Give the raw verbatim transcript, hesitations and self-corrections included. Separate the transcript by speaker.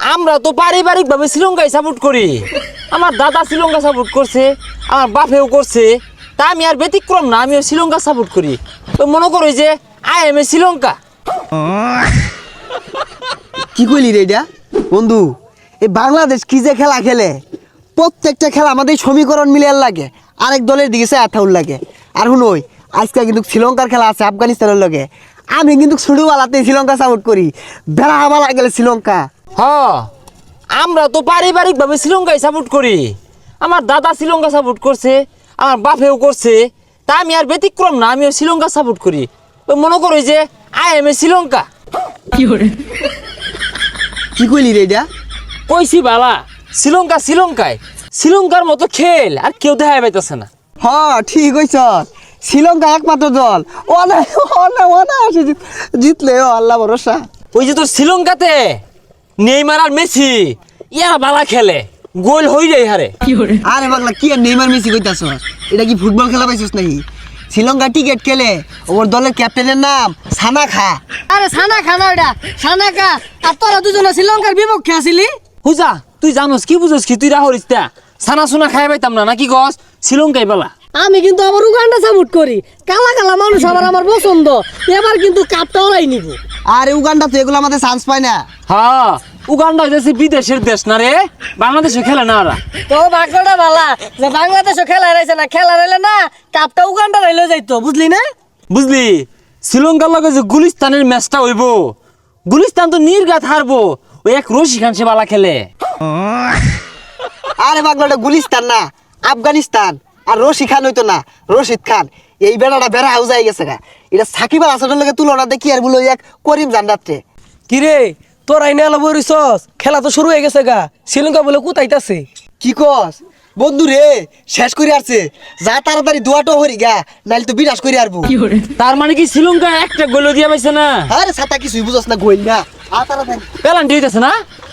Speaker 1: আমরা তো পারিবারিক ভাবে শ্রীলঙ্কায় সাপোর্ট করি। আমার দাদা শ্রীলঙ্কা সাপোর্ট করছে, আমার বাপেও করছে, তা আমি আর ব্যতিক্রম না, আমিও শ্রীলঙ্কা সাপোর্ট করি। তো মনে করো যে আই এম এ শ্রীলঙ্কা।
Speaker 2: কি কইলি রে এটা বন্ধু? এই বাংলাদেশ কি যে খেলা খেলে, প্রত্যেকটা খেলা আমাদের সমীকরণ মিলিয়ে লাগে, আরেক দলের দিকে সে আঠাউল লাগে। আর শুনোই আজকে কিন্তু শ্রীলঙ্কার খেলা আছে আফগানিস্তানের লগে, আমি কিন্তু ছোটবেলাতে শ্রীলঙ্কা সাপোর্ট করি, বেড়া হামালা গেলে শ্রীলঙ্কা।
Speaker 1: হ, আমরা তো পারিবারিক ভাবে শ্রীলঙ্কায় সাপোর্ট করি। আমার দাদা শ্রীলঙ্কা সাপোর্ট করছে, আমার বাপেও করছে, তা আমি আর ব্যতিক্রম না, আমিও শ্রীলঙ্কা সাপোর্ট করি। তো মনে করো যে আই এম এ শ্রীলঙ্কা।
Speaker 2: কি কইলি রে এটা?
Speaker 1: কইছি বালা, শ্রীলঙ্কা শ্রীলঙ্কায়, শ্রীলঙ্কার মতো খেল আর কেউ দেখা পাইতেছে না।
Speaker 2: হ ঠিক হইছ, শ্রীলঙ্কা একমাত্র দল, ও না ও না ও না জিতলে ও আল্লাহ ভরসা।
Speaker 1: ওই যে তোর শ্রীলঙ্কাতে নেইমার আর মেসি ইয়ারা বালা খেলে, গোল হই যায় হারে।
Speaker 2: আরে পাগলা কি আর নেইমার মেসি কইতাছ? এটা কি ফুটবল খেলা পাইছিস নাকি? শ্রীলঙ্কা টিকেট খেলে, ওর দলের ক্যাপ্টেনের নাম সানা খা।
Speaker 3: আরে সানা খানা ওটা সানা খা। আর তোরা দুজনে শ্রীলঙ্কার বিপক্ষে আসিলি।
Speaker 1: হুজা তুই জানোস কি বুঝোস কি? তুই রাহরিস তা সানা সুনা খাই পাইতাম না নাকি গস? শ্রীলঙ্কায় বালা।
Speaker 3: আমি কিন্তু আবার উগান্ডা সাপোর্ট করি, কালা কালা মানুষ আবার আমার পছন্দ। এবার কিন্তু কাপটা ওরাই নিব।
Speaker 2: আরে উগান্ডা তো এগুলো আমাদের চান্স পায় না।
Speaker 1: হ্যাঁ, উগান্ডা হইতেছে বিদেশের দেশ না রে, বাংলাদেশে খেলে না ওরা।
Speaker 3: তো ভাগ্যটা ভালা যে বাংলাদেশও খেলা রয়েছে না, খেলা রইলে না কাপটা উগান্ডা রইলে যাইতো, বুঝলি না?
Speaker 1: বুঝলি, শ্রীলঙ্কার লগে যে গুলিস্তানের ম্যাচটা হইব, গুলিস্তান তো নির্ঘাত হারবো, ওই এক রশি খান সে বালা খেলে।
Speaker 2: আরে পাগলাটা গুলিস্তান না, আফগানিস্তান। আর রশিদ খান হইতো না, রশিদ খান। এই বেড়াটা বেড়া হাউস হয়ে গেছে গা। এটা সাকিব আল হাসানের লগে তুলনা দেখি আর বলো এক করিম জান্নাতে।
Speaker 4: কিরে তোর আইনে আলো বরিছস, খেলা তো শুরু হয়ে গেছে গা, শ্রীলঙ্কা বলে কোথাইতাছে।
Speaker 2: কি কস বন্ধু রে? শেষ করে আসছে, যা তাড়াতাড়ি দোয়াটো হরি গা, নাইলে তো বিনাশ করে আরবো।
Speaker 1: তার মানে কি শ্রীলঙ্কা একটা গোল দিয়া পাইছে না?
Speaker 2: আরে ছাতা কিছুই বুঝস না, গইল না। আ তাড়াতাড়ি
Speaker 1: পেলান্টি হইতেছে না?